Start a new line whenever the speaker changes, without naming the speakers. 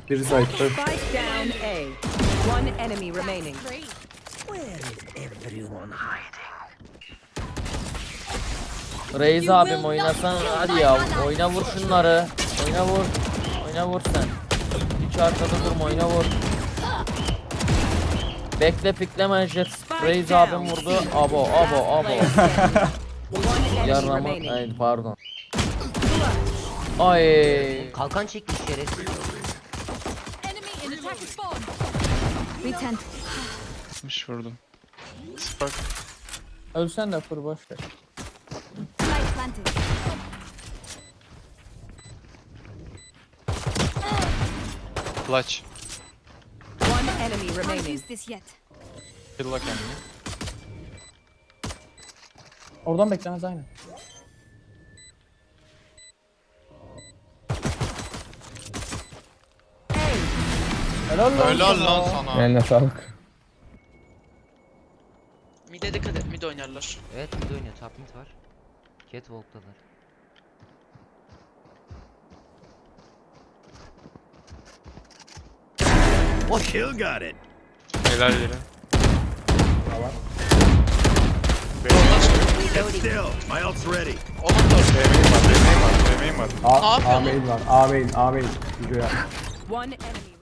Biri site'da.
Spike down A. One enemy remaining.
Reis abim oynasan hadi ya. Oyna vur şunları. Oyna vur. Oyna vur sen. Hiç arkada durma, oyna vur. Bekle pikleme jet. Reis abim vurdu. Abo.
One enemy
Yarlama.
remaining.
Ay pardon. Ay.
Kalkan çekmiş şerefsiz.
Enemy in attack spawn.
Return.
60 vurdum. Spark.
Ölsen de fır boş ver.
Light planted.
Clutch.
One enemy
Can't
remaining.
use this yet.
Kill'la kendini.
Oradan beklemez aynı.
Helal lan sana.
Eline sağlık.
Mid'e dikkat et, mid oynarlar.
Evet mid oynuyor. Top mid var. Catwalk'talar.
Kill got it.
Helal yere.
Get still. My ult's ready.
Onun da
BM'yim var.
ne yapıyor lan?
Amin var. Amin. Amin.
One enemy.